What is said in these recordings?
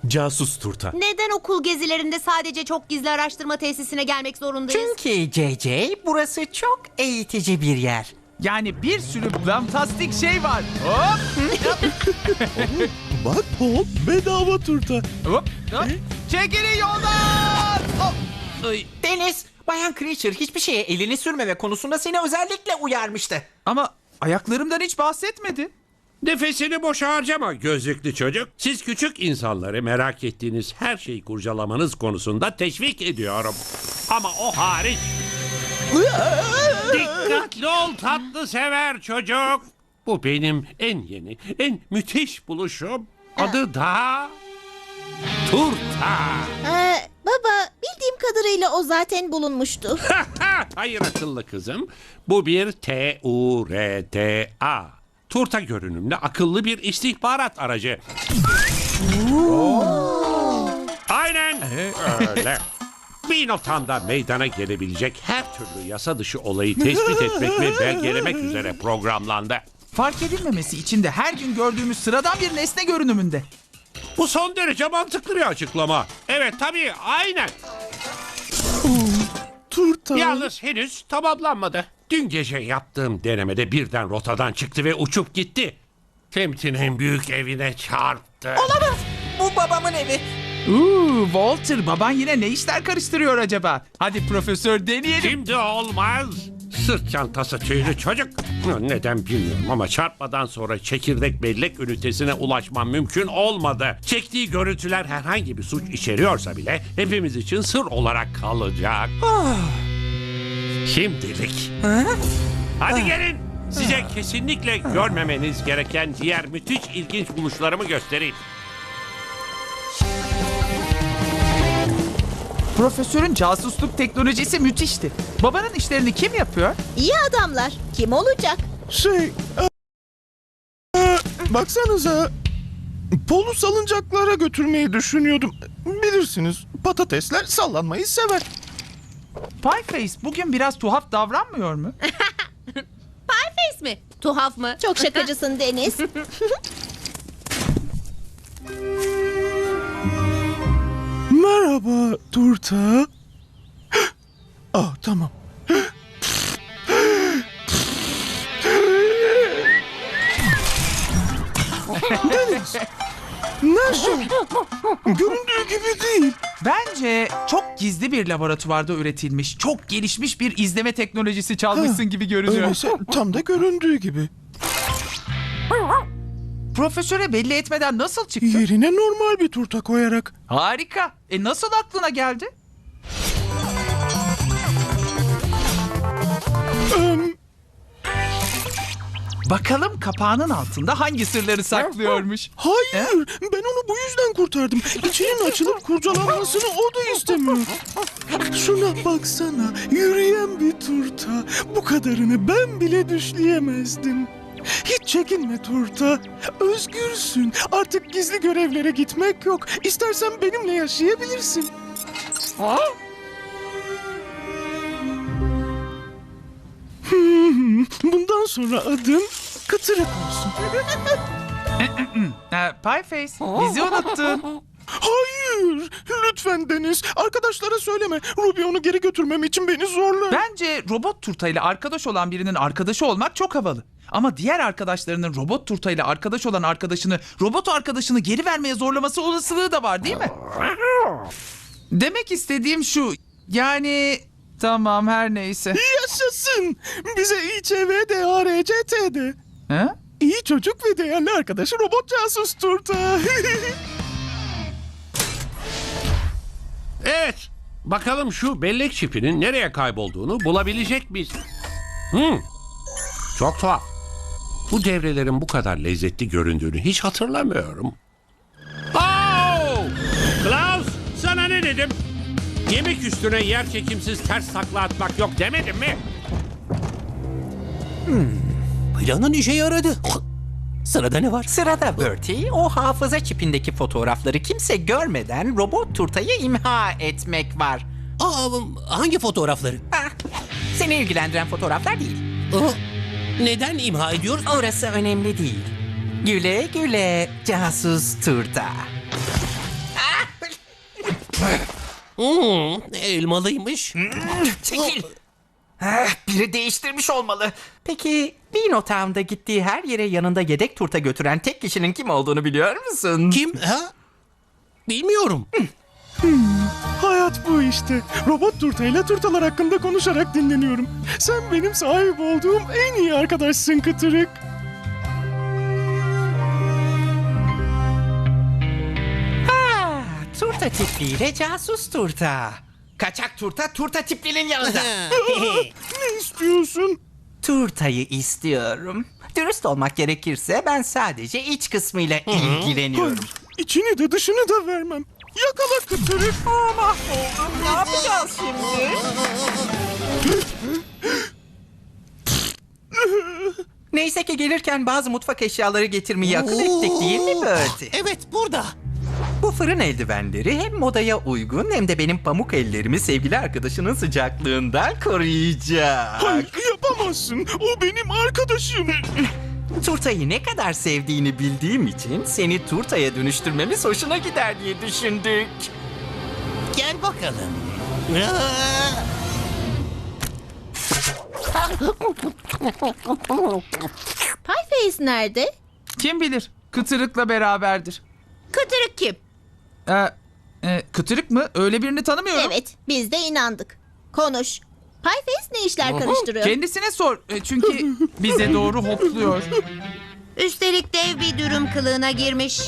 Casus turta. Neden okul gezilerinde sadece çok gizli araştırma tesisine gelmek zorundayız? Çünkü JJ, burası çok eğitici bir yer. Yani bir sürü fantastik şey var. Hop Bak Paul, bedava turta. hop hop. Çekilin yoldan. Hop. Ay. Deniz, Bayan Creature hiçbir şeye elini sürmeme konusunda seni özellikle uyarmıştı. Ama ayaklarımdan hiç bahsetmedi. Nefesini boşa harcama gözlüklü çocuk. Siz küçük insanları merak ettiğiniz her şeyi kurcalamanız konusunda teşvik ediyorum. Ama o hariç. Dikkatli ol tatlı sever çocuk. Bu benim en yeni, en müthiş buluşum. Adı da turta. Baba, bildiğim kadarıyla o zaten bulunmuştu. Hayır akıllı kızım. Bu bir T-U-R-T-A. Turta görünümlü akıllı bir istihbarat aracı. Aynen öyle. Bir noktamda meydana gelebilecek her türlü yasa dışı olayı tespit etmek ve belgelemek üzere programlandı. Fark edilmemesi için de her gün gördüğümüz sıradan bir nesne görünümünde. Bu son derece mantıklı bir açıklama. Evet tabii aynen. Turta. Yalnız henüz tamamlanmadı. Dün gece yaptığım denemede birden rotadan çıktı ve uçup gitti. Semt'in en büyük evine çarptı. Olamaz, bu babamın evi. Walter, baban yine ne işler karıştırıyor acaba? Hadi profesör deneyelim. Şimdi olmaz. Sırt çantası tüylü çocuk. Neden bilmiyorum ama çarpmadan sonra çekirdek bellek ünitesine ulaşmam mümkün olmadı. Çektiği görüntüler herhangi bir suç içeriyorsa bile hepimiz için sır olarak kalacak. Şimdilik. Hadi gelin. Size kesinlikle görmemeniz gereken diğer müthiş ilginç buluşlarımı göstereyim. Profesörün casusluk teknolojisi müthişti. Babanın işlerini kim yapıyor? İyi adamlar. Kim olacak? Baksanıza. Paul'u salıncaklara götürmeyi düşünüyordum. Bilirsiniz, patatesler sallanmayı sever. Pieface bugün biraz tuhaf davranmıyor mu? Pieface mi? Tuhaf mı? Çok şakacısın Deniz. Merhaba turta. Ah tamam. Deniz. Nasıl? Göründüğü gibi değil. Bence çok gizli bir laboratuvarda üretilmiş, çok gelişmiş bir izleme teknolojisi çalmışsın gibi görünüyor. Öyleyse tam da göründüğü gibi. Profesöre belli etmeden nasıl çıktı? Yerine normal bir turta koyarak. Harika. Nasıl aklına geldi? Bakalım kapağının altında hangi sırları saklıyormuş? Hayır, ben onu bu yüzden kurtardım. İçinin açılıp kurcalanmasını o da istemiyor. Şuna baksana, yürüyen bir turta. Bu kadarını ben bile düşleyemezdim. Hiç çekinme turta. Özgürsün. Artık gizli görevlere gitmek yok. İstersen benimle yaşayabilirsin. Bundan sonra adın Kıtırık olsun. Pieface, bizi unuttun. Hayır, lütfen Deniz. Arkadaşlara söyleme. Ruby onu geri götürmem için beni zorlar. Bence robot turtayla arkadaş olan birinin arkadaşı olmak çok havalı. Ama diğer arkadaşlarının robot turtayla arkadaş olan robot arkadaşını geri vermeye zorlaması olasılığı da var değil mi? Demek istediğim şu, yani tamam her neyse. Yaşasın. Bize İÇVDARCT'de. Ha? İyi çocuk ve değerli arkadaşı robot casus turta. Evet. Bakalım şu bellek çipinin nereye kaybolduğunu bulabilecek miyiz? Çok tuhaf. Bu devrelerin bu kadar lezzetli göründüğünü hiç hatırlamıyorum. Oh! Klaus, sana ne dedim? Yemek üstüne yer çekimsiz ters takla atmak yok demedim mi? Planın işe yaradı. Sırada ne var? Sırada Bertie, o hafıza çipindeki fotoğrafları kimse görmeden robot turtayı imha etmek var. Hangi fotoğrafları? Seni ilgilendiren fotoğraflar değil. Neden imha ediyoruz? Orası önemli değil. Güle güle casus turta. Elmalıymış. Çekil. Biri değiştirmiş olmalı. Peki Dino Town'da gittiği her yere yanında yedek turta götüren tek kişinin kim olduğunu biliyor musun? Kim? Ha? Bilmiyorum. Hayat bu işte. Robot turtayla turtalar hakkında konuşarak dinleniyorum. Sen benim sahip olduğum en iyi arkadaşsın Kıtırık. Turta tipliyle casus turta. Kaçak turta, turta tiplinin yanında. Ne istiyorsun? Turtayı istiyorum. Dürüst olmak gerekirse ben sadece iç kısmıyla ilgileniyorum. Hayır, içini de dışını da vermem. Yakala Kıtırık. Mahvoldum. Ne yapacağız şimdi? Neyse ki gelirken bazı mutfak eşyaları getirmeyi akıl ettik değil mi Bertie? Evet, burada. Bu fırın eldivenleri hem modaya uygun hem de benim pamuk ellerimi sevgili arkadaşının sıcaklığından koruyacak. Hayır, yapamazsın. O benim arkadaşım. Turtayı ne kadar sevdiğini bildiğim için seni turtaya dönüştürmemiz hoşuna gider diye düşündük. Gel bakalım. Pieface nerede? Kim bilir? Kıtırık'la beraberdir. Kıtırık kim? Kıtırık mı? Öyle birini tanımıyorum. Evet, biz de inandık. Konuş. Pieface ne işler karıştırıyor? Kendisine sor. Çünkü bize doğru hopluyor. Üstelik dev bir dürüm kılığına girmiş.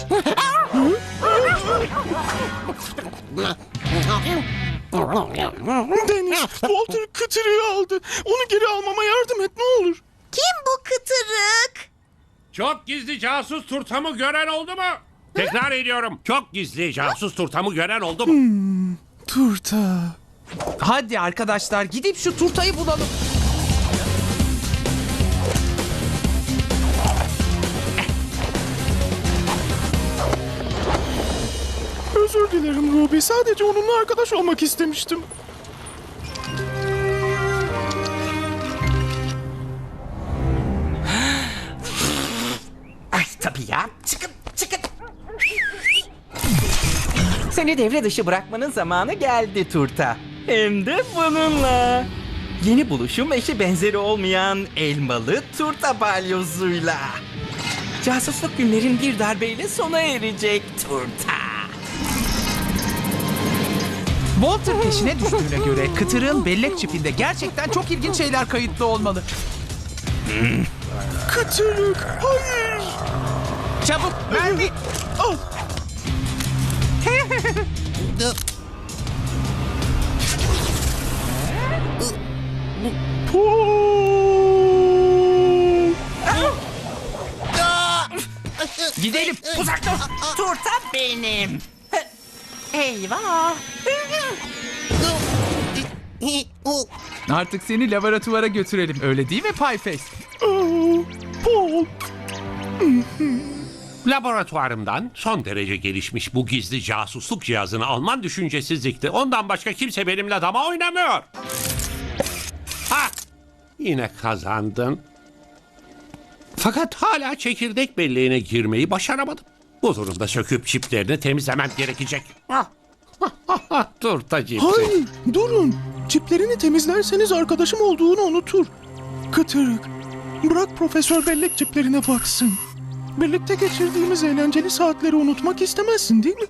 Deniz, Walter Kıtırık'ı aldı. Onu geri almama yardım et ne olur. Kim bu Kıtırık? Çok gizli casus turtamı gören oldu mu? Tekrar ediyorum. Çok gizli casus turtamı gören oldu mu? Turta. Hadi arkadaşlar gidip şu turtayı bulalım. Özür dilerim Ruby. Sadece onunla arkadaş olmak istemiştim. Ay tabii ya. Çıkın, çıkın. Seni devre dışı bırakmanın zamanı geldi turta. Hem de bununla. Yeni buluşum eşi benzeri olmayan elmalı turta balyozuyla. Casusluk günlerin bir darbeyle sona erecek turta. Walter peşine düştüğüne göre Kıtırık'ın bellek çipinde gerçekten çok ilginç şeyler kayıtlı olmalı. Kıtırık, hayır. Çabuk mermi. Al. Gidelim. Uzak dur. Turta benim. Eyvah. Artık seni laboratuvara götürelim. Öyle değil mi Pieface? Oh, Paul. Laboratuvarımdan son derece gelişmiş bu gizli casusluk cihazını alman düşüncesizlikti. Ondan başka kimse benimle dama oynamıyor. Ha! Yine kazandın. Fakat hala çekirdek belleğine girmeyi başaramadım. Bu durumda söküp çiplerini temizlemem gerekecek. Turta cipsi. Hayır, durun. Çiplerini temizlerseniz arkadaşım olduğunu unutur. Kıtırık, bırak Profesör Bellek çiplerine baksın. Birlikte geçirdiğimiz eğlenceli saatleri unutmak istemezsin değil mi?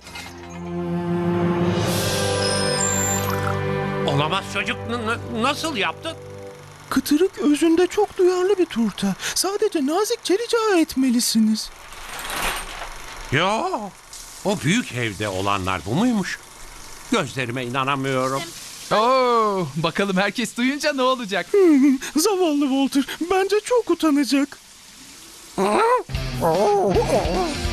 Olamaz çocuk. Nasıl yaptın? Kıtırık özünde çok duyarlı bir turta. Sadece nazikçe rica etmelisiniz. Yo, o büyük evde olanlar bu muymuş? Gözlerime inanamıyorum. Oo, bakalım herkes duyunca ne olacak? Zavallı Walter, bence çok utanacak.